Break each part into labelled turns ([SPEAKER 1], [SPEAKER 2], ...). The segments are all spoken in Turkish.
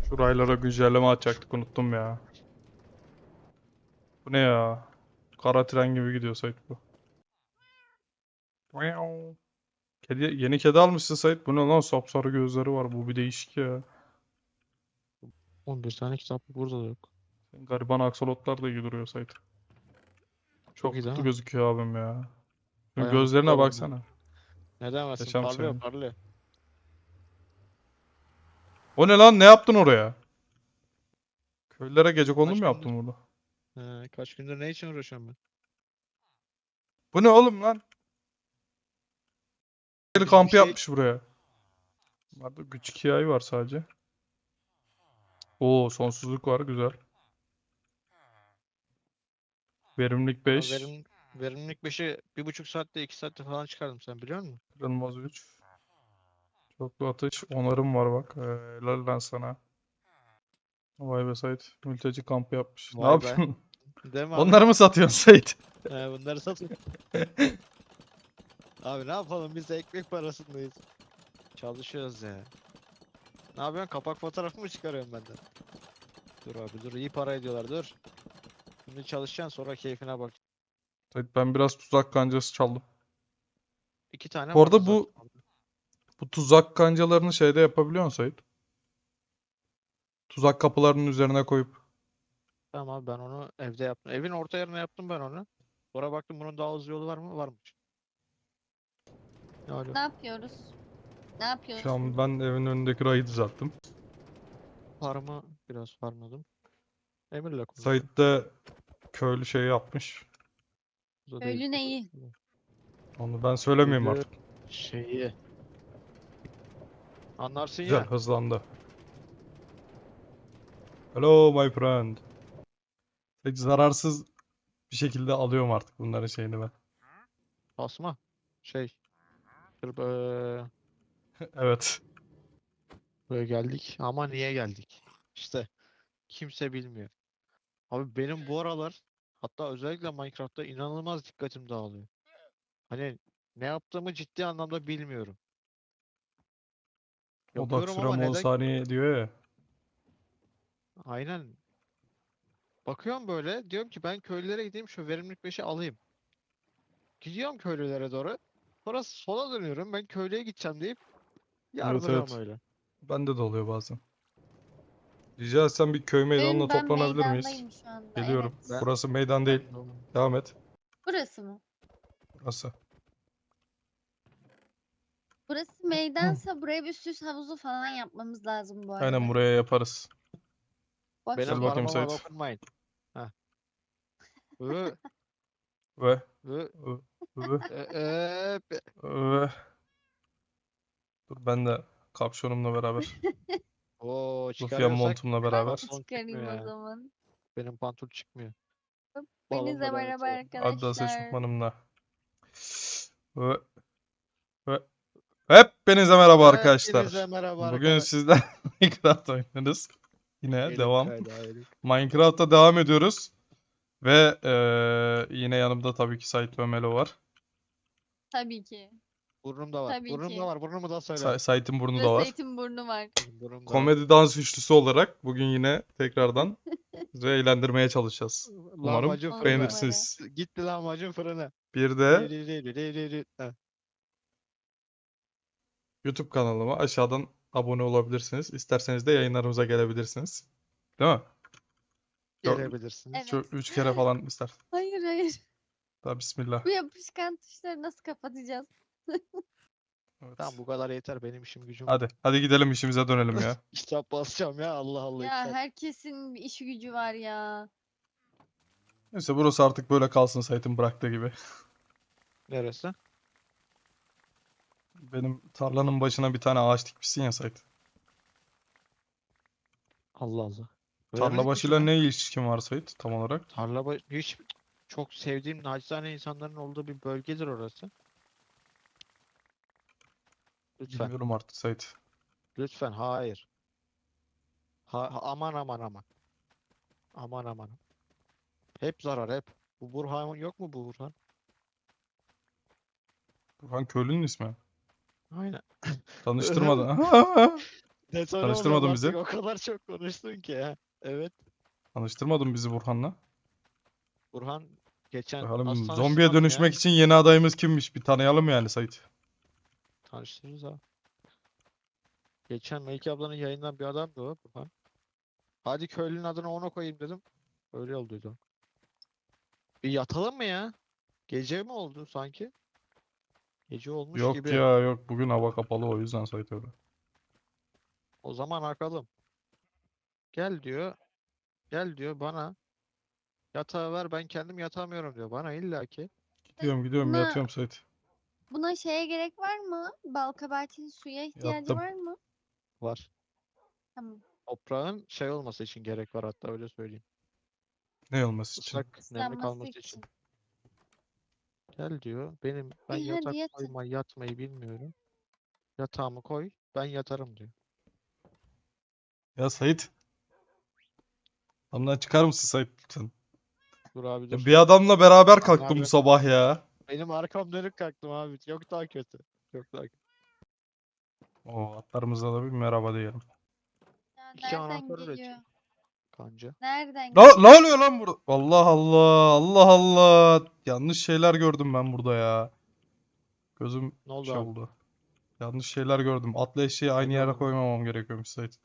[SPEAKER 1] Şu raylara güncelleme atacaktık, unuttum ya. Bu ne ya? Kara tren gibi gidiyor Sait bu. Meow. Yeni kedi almışsın Sait. Bu ne lan? Sapsarı gözleri var. Bu bir değişik ya.
[SPEAKER 2] 11 tane kitap burada da yok.
[SPEAKER 1] Senin gariban aksolotlar da iyi duruyor Sait.
[SPEAKER 2] Çok
[SPEAKER 1] Çok
[SPEAKER 2] iyi değil
[SPEAKER 1] mutlu
[SPEAKER 2] mi?
[SPEAKER 1] gözüküyor abim ya. Şu
[SPEAKER 2] Bayağı mutlu
[SPEAKER 1] gözlerine
[SPEAKER 2] oldum.
[SPEAKER 1] baksana.
[SPEAKER 2] Ne demezsin?
[SPEAKER 1] Yaşam
[SPEAKER 2] Parlıyor
[SPEAKER 1] sevinci.
[SPEAKER 2] parlıyor.
[SPEAKER 1] O ne lan? Ne yaptın oraya? Köylülere gecekondu
[SPEAKER 2] Kaç
[SPEAKER 1] mu
[SPEAKER 2] gündür,
[SPEAKER 1] yaptın burada?
[SPEAKER 2] kaç gündür ne için uğraşıyorum ben?
[SPEAKER 1] Bu ne oğlum lan? Köylü
[SPEAKER 2] Biz bir
[SPEAKER 1] kampı
[SPEAKER 2] şey...
[SPEAKER 1] yapmış buraya. Burada küçük hikaye var sadece. Oo, sonsuzluk var, güzel. Verimlilik
[SPEAKER 2] Aa,
[SPEAKER 1] 5.
[SPEAKER 2] verimlilik 5'i 1,5 saatte 2 saatte falan çıkardım, sen biliyor musun?
[SPEAKER 1] Kırılmaz 3. Çoklu atış. Onarım var bak. Helal lan sana. Vay be Sait. Mülteci kampı yapmış. Ne
[SPEAKER 2] Vay be.
[SPEAKER 1] yapıyorsun?
[SPEAKER 2] Değil mi abi?
[SPEAKER 1] Onları mı satıyorsun Sait?
[SPEAKER 2] Bunları satın. Abi ne yapalım, biz de ekmek parasındayız. Çalışıyoruz ya. Ne yapıyorsun? Kapak fotoğrafı mı çıkarıyorum benden? Dur abi dur, iyi para ediyorlar, dur. Şimdi çalışacaksın, sonra keyfine bak.
[SPEAKER 1] Sait, ben biraz tuzak kancası çaldım.
[SPEAKER 2] 2 tane
[SPEAKER 1] Bu
[SPEAKER 2] vardı
[SPEAKER 1] arada
[SPEAKER 2] zaten orada.
[SPEAKER 1] bu tuzak kancalarını şeyde yapabiliyor musun Sait? Tuzak kapılarının üzerine koyup.
[SPEAKER 2] Tamam abi, ben onu evde yaptım. Evin orta yerine yaptım ben onu. Sonra baktım bunun daha hızlı yolu var mı? Varmış. Alo.
[SPEAKER 3] Ne yapıyoruz? Ne
[SPEAKER 1] Şu
[SPEAKER 3] yapıyorsun?
[SPEAKER 1] an ben evin önündeki rayı düzelttim.
[SPEAKER 2] Farmı biraz farmladım. Emir'le konuştum.
[SPEAKER 1] Sait de köylü şey yapmış.
[SPEAKER 2] Bu da değil.
[SPEAKER 3] Köylü neyi?
[SPEAKER 1] Onu ben söylemeyeyim
[SPEAKER 2] Köylü
[SPEAKER 1] artık.
[SPEAKER 2] şeyi. Anlarsın
[SPEAKER 1] Güzel,
[SPEAKER 2] ya.
[SPEAKER 1] hızlandı. Hello my friend. Hiç zararsız bir şekilde alıyorum artık bunların şeyini ben.
[SPEAKER 2] Asma. Şey. Dur,
[SPEAKER 1] Evet.
[SPEAKER 2] buraya geldik. Ama niye geldik? İşte kimse bilmiyor. Abi benim bu aralar, hatta özellikle Minecraft'ta inanılmaz dikkatim dağılıyor. Hani ne yaptığımı ciddi anlamda bilmiyorum.
[SPEAKER 1] Odak
[SPEAKER 2] Yapıyorum ama
[SPEAKER 1] sürem 10
[SPEAKER 2] neden?
[SPEAKER 1] saniye diyor ya.
[SPEAKER 2] Aynen. Bakıyorum böyle, diyorum ki ben köylülere gideyim, şu verimlilik 5'i alayım. Gidiyorum köylülere doğru. Sonra sola dönüyorum, ben köylüye gideceğim deyip
[SPEAKER 1] Evet,
[SPEAKER 2] yardırıyorum
[SPEAKER 1] evet.
[SPEAKER 2] öyle.
[SPEAKER 1] Bende de oluyor bazen. Rica etsem bir köy meydanına
[SPEAKER 3] Ben
[SPEAKER 1] toplanabilir miyiz?
[SPEAKER 3] meydandayım şu anda. Evet.
[SPEAKER 1] Geliyorum.
[SPEAKER 2] Ben
[SPEAKER 1] Burası meydan değil.
[SPEAKER 2] ben de onu-
[SPEAKER 1] Devam et.
[SPEAKER 3] Burası mı?
[SPEAKER 1] Burası.
[SPEAKER 3] Burası meydansa buraya bir süs havuzu falan yapmamız lazım bu
[SPEAKER 1] Aynen,
[SPEAKER 3] arada.
[SPEAKER 1] buraya yaparız.
[SPEAKER 3] Boş
[SPEAKER 2] benim
[SPEAKER 1] Gel
[SPEAKER 3] ver.
[SPEAKER 1] bakayım
[SPEAKER 2] farmıma
[SPEAKER 1] Sait.
[SPEAKER 2] dokunmayın. Heh. Hı,
[SPEAKER 1] Ve
[SPEAKER 2] hı,
[SPEAKER 1] ve ve
[SPEAKER 2] be-
[SPEAKER 1] ve dur, ben de kapşonumla beraber.
[SPEAKER 2] Oo,
[SPEAKER 1] Lufya
[SPEAKER 2] çıkarıyorsak
[SPEAKER 1] montumla
[SPEAKER 3] Ben
[SPEAKER 1] beraber.
[SPEAKER 3] de
[SPEAKER 2] pantolon çıkmıyor
[SPEAKER 3] çıkarayım o
[SPEAKER 2] ya.
[SPEAKER 3] zaman.
[SPEAKER 2] Benim pantolon çıkmıyor.
[SPEAKER 3] Hepinize
[SPEAKER 2] Balonla lanet
[SPEAKER 3] merhaba
[SPEAKER 2] olsun.
[SPEAKER 1] Adidas
[SPEAKER 3] arkadaşlar.
[SPEAKER 1] eşofmanımla. Ve ve hepinize merhaba
[SPEAKER 2] Hepinize
[SPEAKER 1] arkadaşlar.
[SPEAKER 2] merhaba
[SPEAKER 1] Bugün
[SPEAKER 2] arkadaşlar.
[SPEAKER 1] sizden Minecraft oynarız. Yine
[SPEAKER 2] Elim
[SPEAKER 1] devam.
[SPEAKER 2] kaydı ayrı.
[SPEAKER 1] Minecraft'ta devam ediyoruz. Ve yine yanımda tabii ki Sait ve Melo var.
[SPEAKER 3] Tabii ki.
[SPEAKER 2] Burnumda var.
[SPEAKER 3] Tabii
[SPEAKER 2] Burnumda
[SPEAKER 3] ki.
[SPEAKER 2] var. Burnumu da söyle.
[SPEAKER 1] Sait'in burnu da
[SPEAKER 3] Burası
[SPEAKER 1] var.
[SPEAKER 3] Zeytinburnu var.
[SPEAKER 2] Benim burnumda var.
[SPEAKER 1] Komedi dans üçlüsü olarak bugün yine tekrardan sizi eğlendirmeye çalışacağız. Umarım
[SPEAKER 2] Lahmacun
[SPEAKER 3] On
[SPEAKER 2] fırına.
[SPEAKER 3] numara.
[SPEAKER 1] beğenirsiniz.
[SPEAKER 2] Gitti lahmacun fırına.
[SPEAKER 1] Bir de
[SPEAKER 2] Heh.
[SPEAKER 1] YouTube kanalıma aşağıdan abone olabilirsiniz. İsterseniz de yayınlarımıza gelebilirsiniz. Değil mi?
[SPEAKER 2] Gelebilirsiniz.
[SPEAKER 3] Evet.
[SPEAKER 1] 3 kere falan ister.
[SPEAKER 3] Hayır hayır.
[SPEAKER 1] Daha bismillah.
[SPEAKER 3] Bu yapışkan tuşları nasıl kapatacağız?
[SPEAKER 1] Evet.
[SPEAKER 2] Tamam, bu kadar yeter, benim işim gücüm var.
[SPEAKER 1] Hadi gidelim, işimize dönelim ya.
[SPEAKER 2] Kitap basacağım ya, Allah Allah,
[SPEAKER 3] Ya
[SPEAKER 2] kitap.
[SPEAKER 3] herkesin bir işi gücü var ya.
[SPEAKER 1] Neyse, burası artık böyle kalsın Sait'in bıraktığı gibi.
[SPEAKER 2] Neresi?
[SPEAKER 1] Benim tarlanın başına bir tane ağaç dikmişsin ya Sait.
[SPEAKER 2] Allah Allah.
[SPEAKER 1] Tarla
[SPEAKER 2] Verimlilik
[SPEAKER 1] başıyla
[SPEAKER 2] mi?
[SPEAKER 1] ne ilişkin var Sait tam olarak?
[SPEAKER 2] Hiç çok sevdiğim nacizane insanların olduğu bir bölgedir orası. Lütfen.
[SPEAKER 1] Bilmiyorum artık Sait.
[SPEAKER 2] Lütfen, hayır. Aman aman aman. Aman aman. Hep zarar, hep. Bu Burhan yok mu, bu Burhan?
[SPEAKER 1] Burhan köylünün ismi.
[SPEAKER 2] Aynen.
[SPEAKER 1] Tanıştırmadan.
[SPEAKER 2] Detone
[SPEAKER 1] Tanıştırmadın
[SPEAKER 2] oluyorum
[SPEAKER 1] bizi.
[SPEAKER 2] artık, o kadar çok konuştun ki ha. Evet.
[SPEAKER 1] Tanıştırmadın bizi Burhan'la.
[SPEAKER 2] Burhan geçen nasıl
[SPEAKER 1] Bakalım zombiye
[SPEAKER 2] tanıştırmadım ya?
[SPEAKER 1] dönüşmek için yeni adayımız kimmiş? Bir tanıyalım yani Sait.
[SPEAKER 2] Tanıştırırız ha. Geçen Melike ablanın yayından bir adamdı o Burhan. Hadi köylünün adını ona koyayım dedim. Öyle olduydu. Bir yatalım mı ya? Gece mi oldu sanki? Gece olmuş
[SPEAKER 1] Yok
[SPEAKER 2] gibi.
[SPEAKER 1] ya yok. Bugün hava kapalı o yüzden Sait öyle.
[SPEAKER 2] O zaman akalım. Gel diyor. Gel diyor bana. Yatağı ver, ben kendim yatamıyorum diyor. Bana illaki.
[SPEAKER 1] Gidiyorum
[SPEAKER 3] Buna
[SPEAKER 1] yatıyorum Sait.
[SPEAKER 3] buna şeye gerek var mı? Balkabahatinin suya ihtiyacı
[SPEAKER 1] Yattım.
[SPEAKER 3] var mı?
[SPEAKER 2] Var.
[SPEAKER 3] Tamam.
[SPEAKER 2] Toprağın şey olması için gerek var, hatta öyle söyleyeyim.
[SPEAKER 1] Ne olması için?
[SPEAKER 2] Islak, nemli
[SPEAKER 3] Islanması
[SPEAKER 2] kalması için.
[SPEAKER 3] için.
[SPEAKER 2] Gel diyor. Ben
[SPEAKER 3] İyi hadi
[SPEAKER 2] yatak
[SPEAKER 3] yatın.
[SPEAKER 2] yatmayı bilmiyorum. Yatağımı koy, ben yatarım diyor.
[SPEAKER 1] Ya Sait. Adamdan çıkar mısın Sait lütfen?
[SPEAKER 2] Dur abi
[SPEAKER 1] Ya
[SPEAKER 2] dur.
[SPEAKER 1] bir adamla beraber
[SPEAKER 2] Abi,
[SPEAKER 1] kalktım bu sabah ya.
[SPEAKER 2] benim arkam dönük kalktım abi. Yok daha kötü. Yok daha kötü.
[SPEAKER 1] O atlarımıza da bir merhaba diyelim.
[SPEAKER 3] Ya
[SPEAKER 2] İki
[SPEAKER 3] nereden
[SPEAKER 2] anahtar
[SPEAKER 3] geliyor?
[SPEAKER 2] üretiyor kanca.
[SPEAKER 3] Nereden
[SPEAKER 1] Ne
[SPEAKER 3] geliyor?
[SPEAKER 1] oluyor lan burada? Allah Allah. Allah Allah. Yanlış şeyler gördüm ben burada ya. Gözüm
[SPEAKER 2] Ne oldu
[SPEAKER 1] şey
[SPEAKER 2] abi?
[SPEAKER 1] oldu. Yanlış şeyler gördüm. Atla eşeği
[SPEAKER 2] Ne
[SPEAKER 1] aynı yere
[SPEAKER 2] gördün?
[SPEAKER 1] koymamam gerekiyormuş Sait.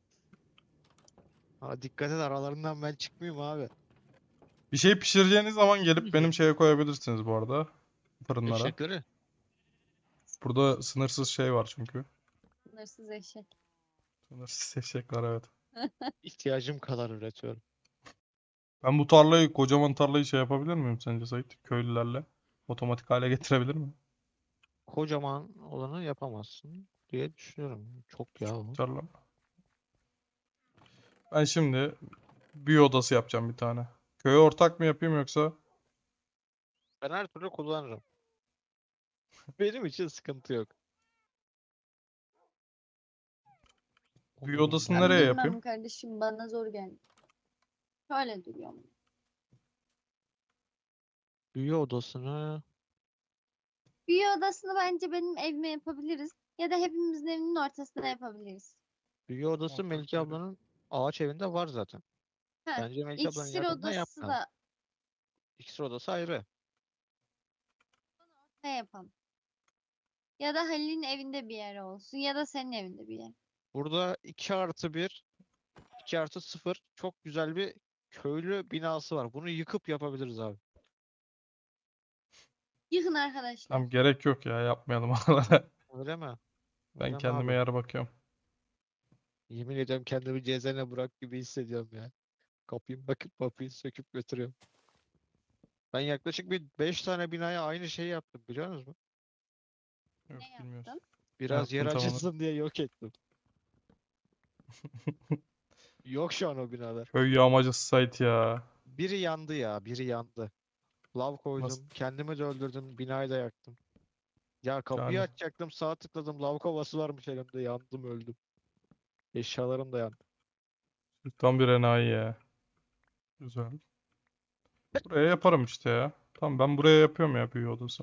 [SPEAKER 2] Ha, dikkat et, aralarından ben çıkmayayım abi.
[SPEAKER 1] Bir şey pişireceğiniz zaman gelip benim şeye koyabilirsiniz bu arada. Fırınlara.
[SPEAKER 2] Eşekleri.
[SPEAKER 1] Burada sınırsız şey var çünkü.
[SPEAKER 3] Sınırsız eşek.
[SPEAKER 1] Sınırsız eşek var evet.
[SPEAKER 2] İhtiyacım kadar üretiyorum.
[SPEAKER 1] Ben bu tarlayı, kocaman tarlayı şey yapabilir miyim sence Sait? Köylülerle. Otomatik hale getirebilir miyim?
[SPEAKER 2] Kocaman olanı yapamazsın diye düşünüyorum. Çok ya o.
[SPEAKER 1] Tarla. Ben şimdi büyü odası yapacağım bir tane. Köye ortak mı yapayım yoksa?
[SPEAKER 2] Ben her türlü kullanırım. Benim için sıkıntı yok.
[SPEAKER 1] Büyü
[SPEAKER 2] Onur'un
[SPEAKER 1] odasını
[SPEAKER 3] Ben
[SPEAKER 1] nereye
[SPEAKER 2] nerede?
[SPEAKER 3] bilmem
[SPEAKER 1] yapayım?
[SPEAKER 3] kardeşim, bana zor geldi. Şöyle duruyorum.
[SPEAKER 2] Büyü odasını
[SPEAKER 3] Büyü odasını bence benim evime yapabiliriz. Ya da hepimizin evinin ortasına yapabiliriz.
[SPEAKER 2] büyü odası
[SPEAKER 1] Ortak
[SPEAKER 2] Melike
[SPEAKER 1] yeri.
[SPEAKER 2] ablanın ağaç evinde var zaten.
[SPEAKER 3] Heh,
[SPEAKER 2] Bence Melike ablanın
[SPEAKER 3] iksir
[SPEAKER 2] yakınına
[SPEAKER 3] odası
[SPEAKER 2] yapma.
[SPEAKER 3] da
[SPEAKER 2] İksir odası ayrı.
[SPEAKER 3] ne yapalım? Ya da Halil'in evinde bir yer olsun. Ya da senin evinde bir yer.
[SPEAKER 2] Burada 2+1, 2+0 çok güzel bir köylü binası var. Bunu yıkıp yapabiliriz abi.
[SPEAKER 3] Yıkın arkadaşlar.
[SPEAKER 1] Tamam gerek yok ya yapmayalım oralara.
[SPEAKER 2] Öyle mi?
[SPEAKER 1] Ben
[SPEAKER 2] Öyle mi
[SPEAKER 1] kendime
[SPEAKER 2] abi?
[SPEAKER 1] yer bakıyorum.
[SPEAKER 2] Yemin ediyorum kendimi Cezene Burak gibi hissediyorum ya. Kapıyı bakıp kapıyı söküp götürüyorum. Ben yaklaşık bir 5 tane binaya aynı şeyi yaptım, biliyor musunuz?
[SPEAKER 1] Yok
[SPEAKER 3] Ne
[SPEAKER 1] bilmiyoruz.
[SPEAKER 3] yaptın?
[SPEAKER 1] Ne
[SPEAKER 2] Biraz yer
[SPEAKER 1] yaptın tam olarak?
[SPEAKER 2] açılsın diye yok ettim. Yok şu an o binalar.
[SPEAKER 1] Köy yağmacısı Sait ya.
[SPEAKER 2] Biri yandı ya, biri yandı. Lav
[SPEAKER 1] Nasıl?
[SPEAKER 2] koydum, kendimi de öldürdüm, binayı da yaktım. Ya kapıyı
[SPEAKER 1] Yani
[SPEAKER 2] açacaktım, sağ tıkladım, lav kovası varmış elimde, yandım öldüm. Eşyalarım da yandı.
[SPEAKER 1] tam bir enayi ya. Güzel. Buraya yaparım işte ya. Tamam ben buraya yapıyorum ya büyü odası.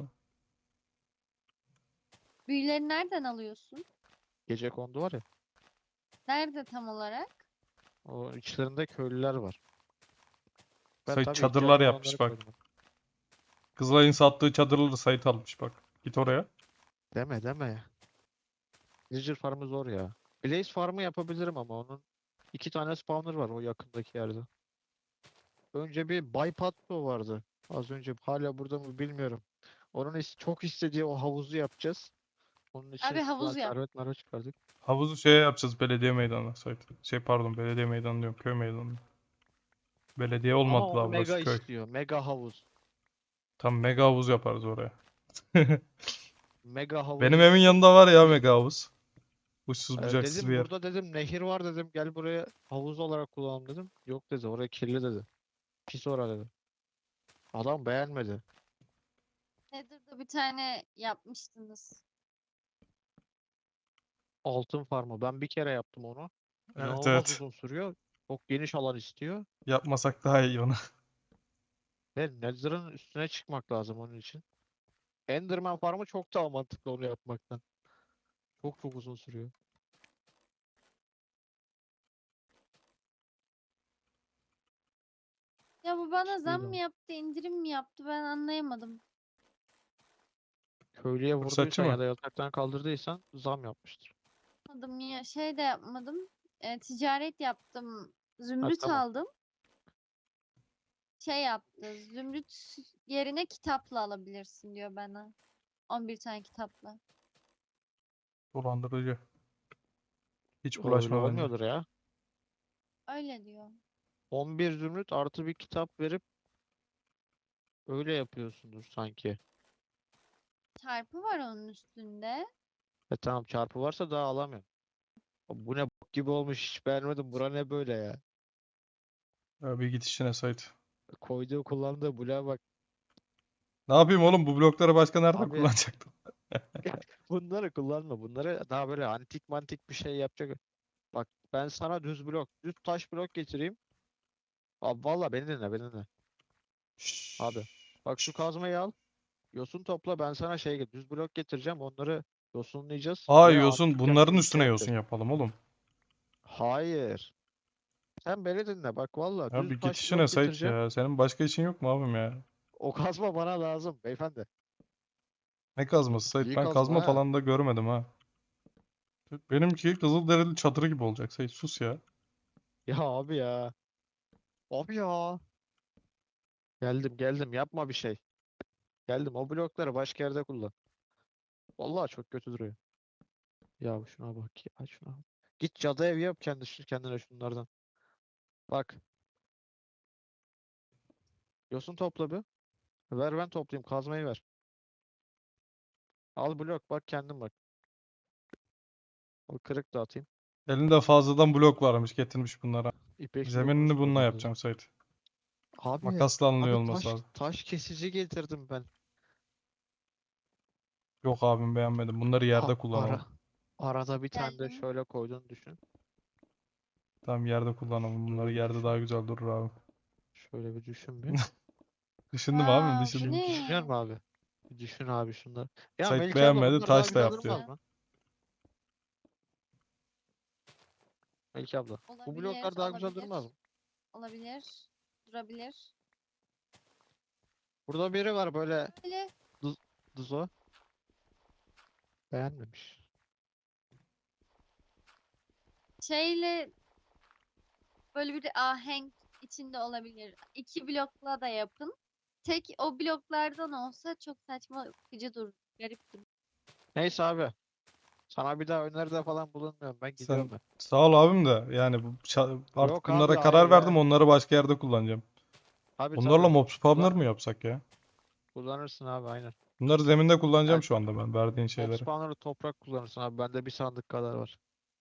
[SPEAKER 3] Büyüleri nereden alıyorsun?
[SPEAKER 2] Gecekondu var ya,
[SPEAKER 3] Nerede tam olarak?
[SPEAKER 2] o içlerinde köylüler var. Ben
[SPEAKER 1] Sait
[SPEAKER 2] tabii
[SPEAKER 1] çadırlar
[SPEAKER 2] ihtiyacım olanları
[SPEAKER 1] yapmış bak.
[SPEAKER 2] koydum.
[SPEAKER 1] Kızılay'ın sattığı çadırları Sait almış bak. Git oraya.
[SPEAKER 2] Deme deme. Villager farmı zor ya. Blaze farmı yapabilirim ama onun 2 tane spawner var o yakındaki yerde. Önce bir Baypatto vardı. Az önce hala burada mı bilmiyorum. Onun çok istediği o havuzu yapacağız. Onun için
[SPEAKER 3] Abi havuz yap.
[SPEAKER 2] servet mervet çıkardık.
[SPEAKER 1] Havuzu şeye yapacağız belediye meydanına Sait. Şey pardon belediye meydanı diyorum köy meydanı. Belediye
[SPEAKER 2] Ama
[SPEAKER 1] olmadı
[SPEAKER 2] onu
[SPEAKER 1] daha
[SPEAKER 2] mega
[SPEAKER 1] burası köy.
[SPEAKER 2] istiyor. Mega havuz.
[SPEAKER 1] Tam mega havuz yaparız oraya.
[SPEAKER 2] Mega
[SPEAKER 1] Benim
[SPEAKER 2] havuzu
[SPEAKER 1] evin
[SPEAKER 2] istiyor.
[SPEAKER 1] yanında var ya mega havuz. Uçsuz bucaksız bir
[SPEAKER 2] Dedim
[SPEAKER 1] yer.
[SPEAKER 2] burada, dedim nehir var, dedim gel buraya havuz olarak kullanalım dedim. Yok dedi, oraya kirli dedi. Pis ora dedi. Adam beğenmedi.
[SPEAKER 3] Nether'da bir tane yapmıştınız.
[SPEAKER 2] Altın farmı. Ben bir kere yaptım onu.
[SPEAKER 1] Evet
[SPEAKER 2] İnanılmaz
[SPEAKER 1] evet.
[SPEAKER 2] uzun sürüyor. Çok geniş alan istiyor.
[SPEAKER 1] Yapmasak daha iyi onu.
[SPEAKER 2] Ve Nether'ın üstüne çıkmak lazım onun için. Enderman farmı çok daha mantıklı onu yapmaktan. Çok çok uzun sürüyor.
[SPEAKER 3] Ya bu bana zam
[SPEAKER 2] Şöyle.
[SPEAKER 3] mı yaptı, indirim mi yaptı ben anlayamadım.
[SPEAKER 2] Köylüye
[SPEAKER 1] Fırsatçı
[SPEAKER 2] vurduysan ya
[SPEAKER 1] mı?
[SPEAKER 2] da yataktan kaldırdıysan zam yapmıştır.
[SPEAKER 3] Yapmadım ya şey de yapmadım. Ticaret yaptım.
[SPEAKER 2] Ha
[SPEAKER 3] Zümrüt
[SPEAKER 2] tamam.
[SPEAKER 3] aldım. Şey yaptı. Zümrüt yerine kitapla alabilirsin diyor bana. 11 tane kitapla.
[SPEAKER 1] Dolandırıcı. Hiç
[SPEAKER 2] Öyle
[SPEAKER 1] bulaşma bence.
[SPEAKER 2] olmuyordur ya.
[SPEAKER 3] Öyle diyor.
[SPEAKER 2] 11 zümrüt artı bir kitap verip öyle yapıyorsundur sanki.
[SPEAKER 3] Çarpı var onun üstünde.
[SPEAKER 2] Tamam çarpı varsa daha alamıyorum. Bu ne bok gibi olmuş hiç beğenmedim. Bura ne böyle ya?
[SPEAKER 1] Ya bir git işine Sait.
[SPEAKER 2] Koyduğu kullandığı bloğa bak.
[SPEAKER 1] Ne yapayım oğlum, bu blokları başka nerede
[SPEAKER 2] Abi
[SPEAKER 1] kullanacaktım?
[SPEAKER 2] bunları kullanma. Bunları daha böyle antik mantik bir şey yapacak. Bak ben sana düz blok, düz taş blok getireyim. Abi valla beni dinle, beni dinle. Abi bak şu kazmayı al. Yosun topla ben sana düz blok getireceğim. Onları yosunlayacağız
[SPEAKER 1] Aa,
[SPEAKER 2] ve
[SPEAKER 1] yosun.
[SPEAKER 2] antik
[SPEAKER 1] Bunların
[SPEAKER 2] yapacağız.
[SPEAKER 1] üstüne
[SPEAKER 2] Evet,
[SPEAKER 1] yosun
[SPEAKER 2] evet.
[SPEAKER 1] yapalım oğlum.
[SPEAKER 2] Hayır. Sen beni dinle. Bak valla
[SPEAKER 1] Ya
[SPEAKER 2] düz
[SPEAKER 1] bir git
[SPEAKER 2] taş
[SPEAKER 1] işine
[SPEAKER 2] blok
[SPEAKER 1] Sait
[SPEAKER 2] getireceğim.
[SPEAKER 1] ya. Senin başka işin yok mu abim ya?
[SPEAKER 2] O kazma bana lazım beyefendi.
[SPEAKER 1] Ne kazması Sait?
[SPEAKER 2] İyi
[SPEAKER 1] Ben
[SPEAKER 2] kazma
[SPEAKER 1] kazma
[SPEAKER 2] ha.
[SPEAKER 1] falan da görmedim ha. Benimki Kızılderili çadırı gibi olacak Sait. Sus ya.
[SPEAKER 2] Ya abi ya. Abi ya. Geldim geldim yapma bir şey. Geldim o blokları başka yerde kullan. Vallahi çok kötü duruyor. Ya şuna bak ya şuna. Bak. Git cadı evi yap kendine şunlardan. Bak yosun topla bir. Ver ben toplayayım kazmayı ver. Al blok bak kendin bak. Al kırık da atayım.
[SPEAKER 1] Elinde fazladan blok varmış, getirmiş bunlara.
[SPEAKER 2] İpek blokunu
[SPEAKER 1] Zeminini bununla
[SPEAKER 2] sordu.
[SPEAKER 1] yapacağım Sait.
[SPEAKER 2] Abi
[SPEAKER 1] Makasla alınıyor
[SPEAKER 2] abi
[SPEAKER 1] olması lazım.
[SPEAKER 2] taş kesici getirdim ben.
[SPEAKER 1] Yok abim, beğenmedim. Bunları
[SPEAKER 2] A-
[SPEAKER 1] yerde
[SPEAKER 2] ara
[SPEAKER 1] kullanalım.
[SPEAKER 2] arada bir tane de
[SPEAKER 3] Geldim.
[SPEAKER 2] şöyle koyduğunu düşün.
[SPEAKER 1] Tamam, yerde kullanalım. Bunları
[SPEAKER 2] Şöyle bir
[SPEAKER 1] yerde
[SPEAKER 2] düşün.
[SPEAKER 1] daha güzel durur abi.
[SPEAKER 2] Şöyle bir düşün bir.
[SPEAKER 1] Düşündüm abim,
[SPEAKER 3] Aa, bu
[SPEAKER 1] düşündüm.
[SPEAKER 2] Düşünüyor
[SPEAKER 3] ne?
[SPEAKER 2] musun abi? Bir düşün abi şunları. Ya
[SPEAKER 1] Sait
[SPEAKER 2] Melike abla
[SPEAKER 1] beğenmedi,
[SPEAKER 2] bunlar daha
[SPEAKER 1] taş da
[SPEAKER 2] güzel
[SPEAKER 1] yap diyor.
[SPEAKER 2] durmaz
[SPEAKER 3] Mantıklı.
[SPEAKER 2] mı? Melike abla. Bu
[SPEAKER 3] Olabilir,
[SPEAKER 2] bloklar daha güzel durmaz
[SPEAKER 3] olabilir.
[SPEAKER 2] mı?
[SPEAKER 3] Olabilir. Durabilir.
[SPEAKER 2] Burada biri var böyle
[SPEAKER 3] Böyle
[SPEAKER 2] dız- Dızo. Beğenmemiş.
[SPEAKER 3] şeyle böyle bir ahenk içinde olabilir. İki blokla da yapın. Tek o bloklardan olsa çok saçma sıkıcı durur. Garip durur.
[SPEAKER 2] Neyse abi. Sana bir daha öneride falan bulunmuyorum. Ben
[SPEAKER 1] Sen
[SPEAKER 2] gidiyorum ben.
[SPEAKER 1] sağ ol abim de, yani artık
[SPEAKER 2] Yok abi
[SPEAKER 1] bunlara
[SPEAKER 2] hayır
[SPEAKER 1] karar verdim,
[SPEAKER 2] ya.
[SPEAKER 1] onları başka yerde kullanacağım.
[SPEAKER 2] Abi
[SPEAKER 1] Bunlarla
[SPEAKER 2] tabii.
[SPEAKER 1] mob spawner mı
[SPEAKER 2] Kullanır.
[SPEAKER 1] yapsak ya?
[SPEAKER 2] Kullanırsın abi aynen.
[SPEAKER 1] Bunları zeminde kullanacağım
[SPEAKER 2] Yani
[SPEAKER 1] şu anda ben, verdiğin
[SPEAKER 2] mob
[SPEAKER 1] şeyleri.
[SPEAKER 2] spawner'ı toprak kullanırsın abi. Bende bir sandık kadar var.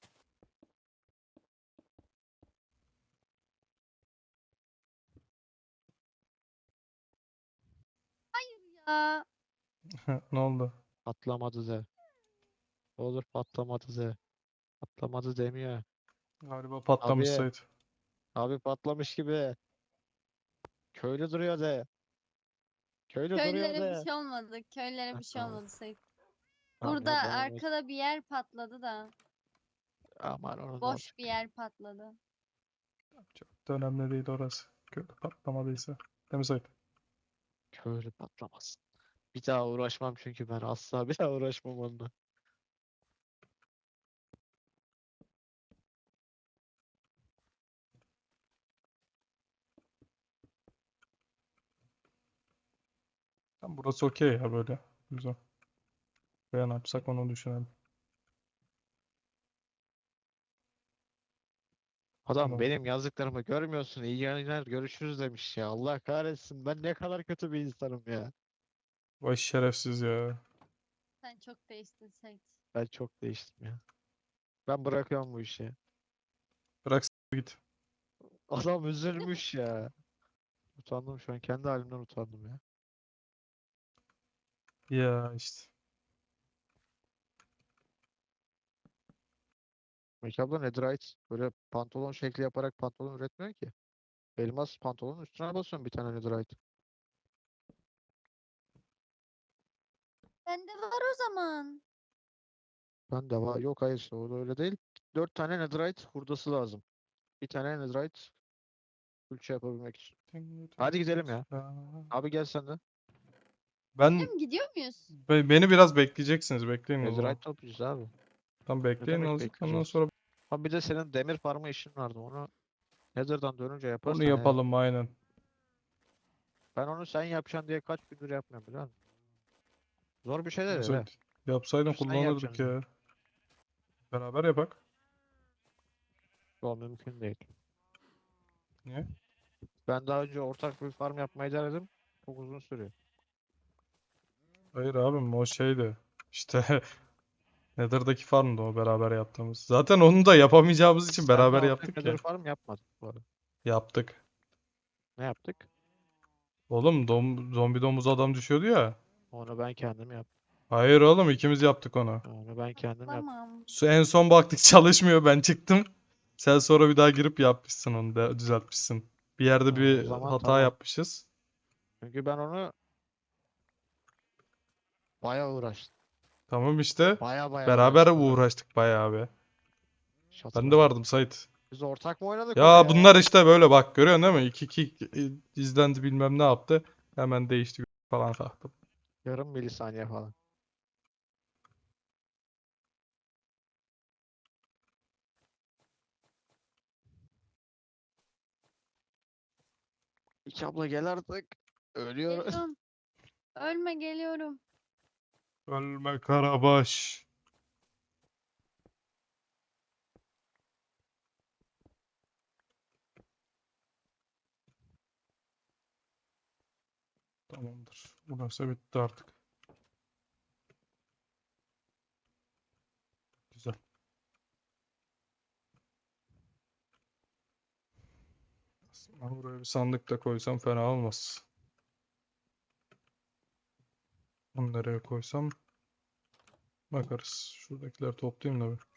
[SPEAKER 3] Ya
[SPEAKER 1] Ne oldu?
[SPEAKER 2] Patlamadı Z. Olur patlamadı Z. Patlamadı demiyor.
[SPEAKER 1] Galiba patlamış
[SPEAKER 2] Abi.
[SPEAKER 1] Sait.
[SPEAKER 2] Abi patlamış gibi. Köylü duruyor Z. Köylü duruyor
[SPEAKER 3] köylülere bir
[SPEAKER 2] Z.
[SPEAKER 3] şey olmadı. Köylülere
[SPEAKER 2] Heh,
[SPEAKER 3] bir şey
[SPEAKER 2] tamam.
[SPEAKER 3] olmadı Sait.
[SPEAKER 2] Tamam
[SPEAKER 3] Burada
[SPEAKER 2] ya bana ne?
[SPEAKER 3] arkada bir yer patladı da.
[SPEAKER 2] Aman onun ne
[SPEAKER 3] Boş bir
[SPEAKER 2] olacak?
[SPEAKER 3] yer patladı.
[SPEAKER 1] Çok da önemli değil orası. Kötü patlamadıysa. Değil mi Sait?
[SPEAKER 2] Köylü patlamasın. Bir daha uğraşmam çünkü ben asla bir daha uğraşmam onunla.
[SPEAKER 1] Tam burası okey ya böyle. Güzel. Veya ne yapsak onu düşünelim.
[SPEAKER 2] Adam
[SPEAKER 1] Tamam.
[SPEAKER 2] benim yazdıklarımı görmüyorsun. İyi yayınlar görüşürüz demiş ya. Allah kahretsin. Ben ne kadar kötü bir insanım ya.
[SPEAKER 1] Vay şerefsiz ya.
[SPEAKER 3] Sen çok değiştin Sait.
[SPEAKER 2] Ben çok değiştim ya. Ben bırakıyorum bu işi.
[SPEAKER 1] Bırak git.
[SPEAKER 2] Adam üzülmüş ya. Utandım şu an. Kendi halimden utandım ya.
[SPEAKER 1] Ya işte.
[SPEAKER 2] Melike abla netherite böyle pantolon şekli yaparak pantolon üretmiyor ki. Elmas pantolonun üstüne basıyorum bir tane netherite.
[SPEAKER 3] Bende var o zaman.
[SPEAKER 2] Ben de var. Yok hayır işte o da öyle değil. 4 tane netherite hurdası lazım. Bir tane netherite külçe yapabilmek için. Hadi gidelim ya. Abi gel sen de.
[SPEAKER 1] Ben
[SPEAKER 3] Değil mi? Gidiyor muyuz?
[SPEAKER 1] beni biraz bekleyeceksiniz. Bekleyin o zaman.
[SPEAKER 2] Netherite toplayacağız abi.
[SPEAKER 1] Tam
[SPEAKER 2] Ne
[SPEAKER 1] bekleyin
[SPEAKER 2] demek
[SPEAKER 1] azıcık. Ondan
[SPEAKER 2] bekleyeceğiz?
[SPEAKER 1] sonra
[SPEAKER 2] Abi bir de senin demir farmı işin vardı. Onu Nether'dan dönünce
[SPEAKER 1] onu
[SPEAKER 2] yaparsan eğer.
[SPEAKER 1] yapalım aynen.
[SPEAKER 2] Ben onu sen yapacaksın diye kaç gündür yapmıyorum biliyor musun? Zor bir şey de değil
[SPEAKER 1] Mesela
[SPEAKER 2] he.
[SPEAKER 1] yapsaydın
[SPEAKER 2] Sırf sen
[SPEAKER 1] kullanırdık
[SPEAKER 2] yapacaksın diye.
[SPEAKER 1] ya. Beraber yapak.
[SPEAKER 2] O mümkün değil.
[SPEAKER 1] Niye?
[SPEAKER 2] Ben daha önce ortak bir farm yapmayı denedim. Çok uzun sürüyor.
[SPEAKER 1] Hayır abim o şeydi. İşte Nether'daki farmdı o beraber yaptığımız. Zaten onu da yapamayacağımız için
[SPEAKER 2] Sen de
[SPEAKER 1] beraber
[SPEAKER 2] ortak
[SPEAKER 1] yaptık
[SPEAKER 2] Nether
[SPEAKER 1] ya.
[SPEAKER 2] farm yapmadın bu arada.
[SPEAKER 1] Yaptık.
[SPEAKER 2] Ne yaptık?
[SPEAKER 1] Oğlum zombi domuz adam düşüyordu ya.
[SPEAKER 2] Onu ben kendim yaptım.
[SPEAKER 1] Hayır oğlum ikimiz yaptık onu.
[SPEAKER 2] Onu ben kendim yaptım.
[SPEAKER 3] Tamam.
[SPEAKER 1] En son baktık çalışmıyor ben çıktım. Sen sonra bir daha girip yapmışsın onu da düzeltmişsin. Bir yerde
[SPEAKER 2] Ha, o
[SPEAKER 1] bir
[SPEAKER 2] zaman
[SPEAKER 1] hata
[SPEAKER 2] tamam.
[SPEAKER 1] yapmışız.
[SPEAKER 2] Çünkü ben onu bayağı uğraştım.
[SPEAKER 1] Tamam işte.
[SPEAKER 2] Baya
[SPEAKER 1] Beraber
[SPEAKER 2] uğraştım ben.
[SPEAKER 1] uğraştık bayağı abi.
[SPEAKER 2] Hiç
[SPEAKER 1] Ben de
[SPEAKER 2] hatırlamıyorum.
[SPEAKER 1] vardım Sait.
[SPEAKER 2] Biz ortak mı oynadık onu
[SPEAKER 1] Ya
[SPEAKER 2] ya?
[SPEAKER 1] bunlar işte böyle bak görüyorsun değil mi? 2-2 izlendi bilmem ne yaptı. Hemen değişti falan kalktım.
[SPEAKER 2] Yarım milisaniye falan. İki abla gel artık. Ölüyoruz.
[SPEAKER 3] Geliyorum. Ölme geliyorum.
[SPEAKER 1] Ölme Karabaş. Tamamdır. Burası bitti artık. Güzel. Aslında buraya bir sandık da koysam fena olmaz. Bunu nereye koysam bakarız. Şuradakileri toplayayım da bir.